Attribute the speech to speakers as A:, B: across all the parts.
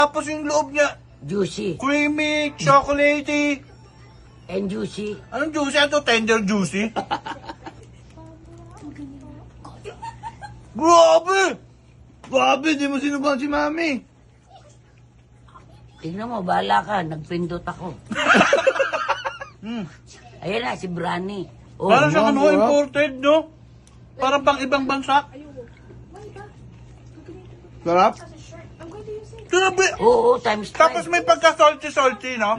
A: Tapos yung loob niya,
B: Juicy.
A: creamy, chocolatey.
B: And juicy.
A: Anong juicy? Ito, tender juicy. Grabe! Grabe, di mo sinubukan si Mami.
B: Tignan mo, bahala ka. Nagpindot ako. Ayan na, si Brani. Oh,
A: Parang siyang
C: wow, wow.
A: imported, no? Parang pang ibang bansa.
C: Sarap?
A: Grabe!
B: Oo, times 5.
A: Tapos may pagka-salty-salty, no?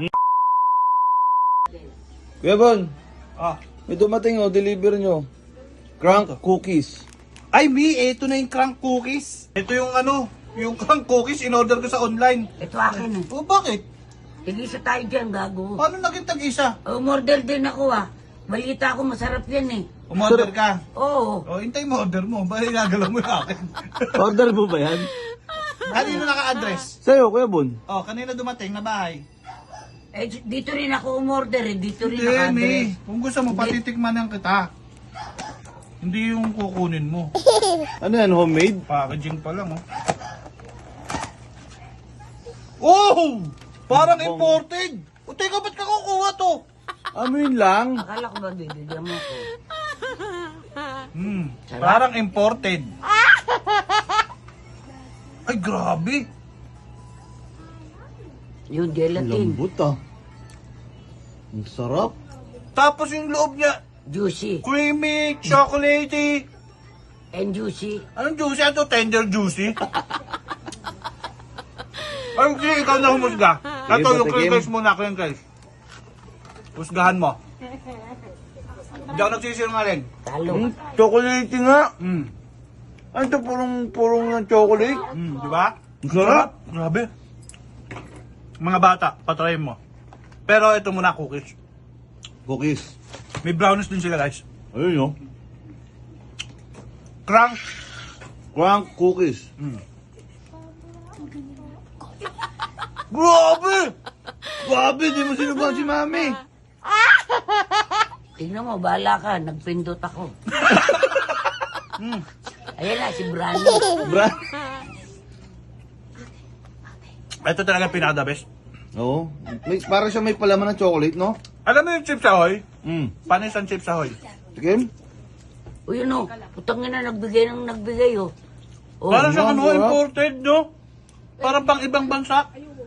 C: Kuya Bon,
A: Ah.
C: may dumating deliver nyo. Crank cookies.
A: Ay, Mi, ito na yung crank cookies. Ito yung yung crank cookies, in-order ko sa online.
B: Ito akin eh.
A: O, bakit?
B: Tig-isa tayo dyan, gago.
A: Paano naging tag-isa?
B: Umorder din ako ah. Balita ko masarap yan eh.
A: Umorder ka.
B: Oo.
A: O, hintay mo order mo. Bali, nagalaw mo yung akin.
C: Order mo ba yan?
A: Kanino naka-address?
C: Sa'yo, Kuya Bon.
A: O, kanina dumating na bahay.
B: Eh, dito rin ako umorder eh. Dito rin
A: Hindi,
B: naka-address.
A: Mi. Kung gusto mo, patitikman lang kita. Hindi yung kukunin mo.
C: Ano yan, homemade?
A: Packaging pa lang, oh. Oh! Parang
C: Bong.
A: imported! O, teka, ba't ka kukuha to?
C: Amin lang.
B: Akala ko ba bibigyan mo ko? Sarap.
A: Parang imported. Ay, grabe!
B: Yung gelatin.
C: Lambot ah. Ang sarap.
A: Tapos yung loob niya,
B: Juicy.
A: creamy, chocolatey.
B: And juicy.
A: Anong juicy? Ito, tender juicy. Ay, sige, ikaw na humusga. Ito, yung
C: patikim.
A: crinkles muna, crinkles. Husgahan mo. Hindi ako nagsisinungaling.
B: Talo.
C: Chocolate nga.
A: Mm.
C: Ano ito, purong ng chocolate?
A: Di ba?
C: Ang sarap.
A: Grabe. Mga bata, patry mo. Pero ito muna, cookies.
C: Cookies.
A: May brownies din sila, guys.
C: Ayun yun.
A: Crank.
C: Crank cookies.
A: Grabe!
C: Grabe, di mo sinubukan si Mami.
B: Tignan mo, bahala ka. Nagpindot ako. Ayan na, si Brani.
C: Brad.
A: Ito talaga pinaka-the best.
C: Oo. Parang siya may palaman ng chocolate, no?
A: Alam mo yung chips ahoy?
C: Panis
A: Panis ang chips ahoy.
C: Tikim?
B: O yun o, putang ina, nagbigay ng nagbigay o. Oh,
A: Parang siyang
C: sarap.
A: imported, no? Parang pang ibang bansa.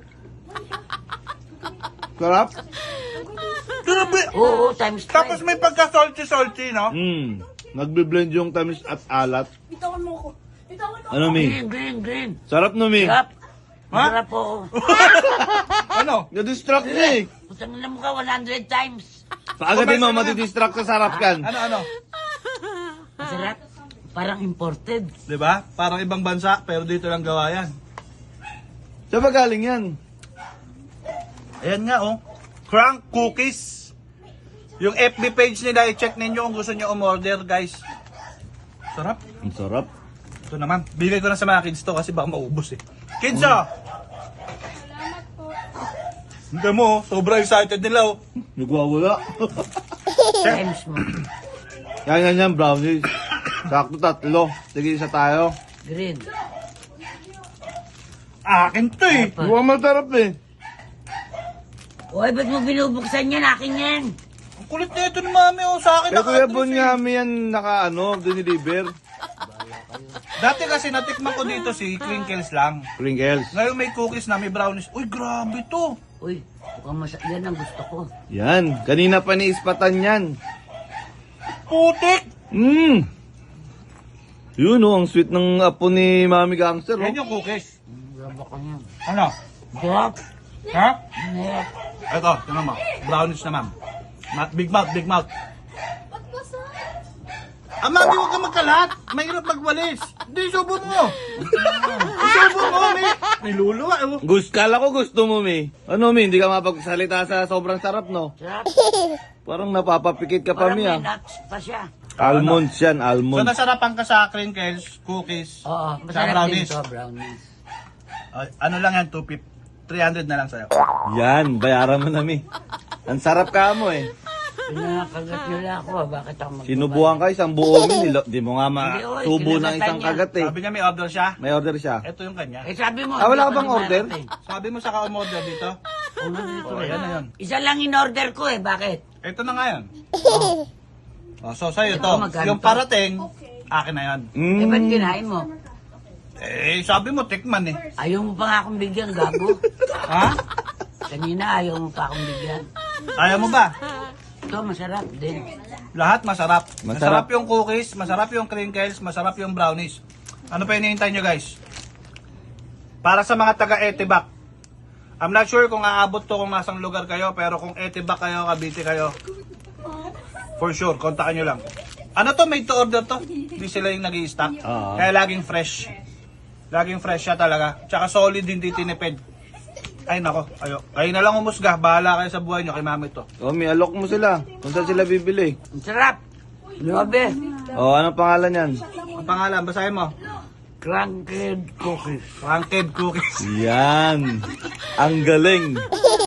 C: Sarap?
A: Grabe!
B: Oo, times 5.
A: Tapos may pagka-salty-salty, no?
C: Nagbe-blend yung tamis at alat.
D: Bitawan mo ako. Bitawan mo.
C: Ano, Mi?
B: Green.
C: Sarap no, Mi?
B: Sarap.
A: Ha?
B: Sarap oo.
A: Ano?
C: Na-distract niya eh.
B: Putang ina mo ka 100 times.
C: Paagatin mo, matidistract sa sarap kan.
A: Ano?
B: Masarap. Parang imported.
A: Di ba? Parang ibang bansa, pero dito lang gawa yan.
C: Saan ba galing yan?
A: Ayan nga, oh. Crank cookies. Yung FB page nila, i-check ninyo kung gusto nyo umorder, guys. Sarap.
C: Ang sarap.
A: Ito naman. Bigay ko na sa mga kids to kasi baka maubos eh. Kids, ah!
D: Salamat po.
A: Hindi mo, oh. Sobrang excited nila, oh.
C: Nagwawala.
B: Times mo.
C: yan, brownies. Sakto 3. Sige, isa tayo.
B: Green.
A: Akin to eh.
C: Mukhang masarap eh.
B: Oy, ba't mo binubuksan yan? Akin yan.
A: Ang kulit na ito ni Mami, oh. Sa akin
C: Kaya Kuya
A: naka-address
C: Bon
A: eh.
C: nga, may yan dinideliver.
A: Dati kasi natikman ko dito si Crinkles lang.
C: Pringles.
A: Ngayon may cookies na, may brownies. Uy, grabe to.
B: Uy, yan ang gusto ko.
C: Yan. Kanina pa ni-ispatan yan.
A: Putik!
C: Yun ang sweet ng apo ni Mami Gangster.
A: Yan yung cookies.
B: Grab ako yan.
A: Ano?
B: Sarap.
A: Ha?
B: Sarap.
A: Ito, tingnan mo. Brownies na, ma'am. Big mouth, big mouth.
D: Ba't basa?
A: Ah, Mami, huwag ka magkalat. Mahirap magwalis. Hindi, subo mo. Subo mo, may luluwa. Eh.
C: Kala ko gusto mo, Mi. Ano, Mi? Hindi ka mapagsalita sa sobrang sarap, no?
B: Sarap.
C: Parang napapapikit ka pa,
B: Parang
C: Mi,
B: may
C: ah.
B: nuts pa siya.
C: Almonds yan,
A: So,
C: almonds.
A: nasarapan ka sa crinkles, cookies,
B: Oo,
A: sa
B: masarap din
A: brownies.
B: to, brownies.
A: Ano lang yan, 250. 300 na lang sa'yo.
C: Yan, bayaran mo na, Mi. Ang sarap ka mo, eh.
B: Pinakagat nila ako, bakit ako magbabayad?
C: Sinubuhan ka isang buong nilo. Di mo nga
B: Hindi, oy,
C: masubo ng
B: kinagatan
C: isang
B: niya.
C: kagat eh.
A: Sabi niya may order siya.
C: May order siya.
A: Ito yung kanya.
B: Eh sabi mo,
C: Ah, wala
B: hindi
C: ka bang
B: pa
C: order?
B: dumarating.
A: Sabi mo sa ka-umorder dito.
B: Una dito
A: Oh,
B: eh.
A: ayan na yun.
B: Isa lang in-order ko eh, bakit?
A: Ito na nga yan. Oh, so sa'yo
B: Ito,
A: to.
B: magkano
A: Yung
B: to?
A: parating, akin na yan.
B: Eh, ba't kinain mo?
A: Eh, sabi mo, tikman eh.
B: Ayaw mo pa nga akong bigyan, gago.
A: Ha?
B: Kanina ayaw mo pa akong bigyan.
A: Ayaw mo ba?
B: Ito, masarap din.
A: Lahat masarap.
C: Masarap.
A: Masarap yung cookies, masarap yung crinkles, masarap yung brownies. Ano pa hinihintay nyo guys? Para sa mga taga Etibac. I'm not sure kung aabot to kung nasang lugar kayo, pero kung Etibac kayo, Cavite kayo, for sure, kontakan nyo lang. Ano to, made to order to? Hindi sila yung nag-i-stock.
C: Oo.
A: Kaya laging fresh. Laging fresh siya talaga. Tsaka solid, hindi tinipid. Ay nako, ayo. Kayo na lang umusga, bahala kayo sa buhay nyo, kay mami to.
C: Oh, may alok mo sila. Kung saan sila bibili.
B: Ang sarap. Grabe.
C: Oh, anong pangalan yan?
A: Ang pangalan, basahin mo.
B: Cranked cookies.
A: Ranked cookies.
C: Yan. Ang galing.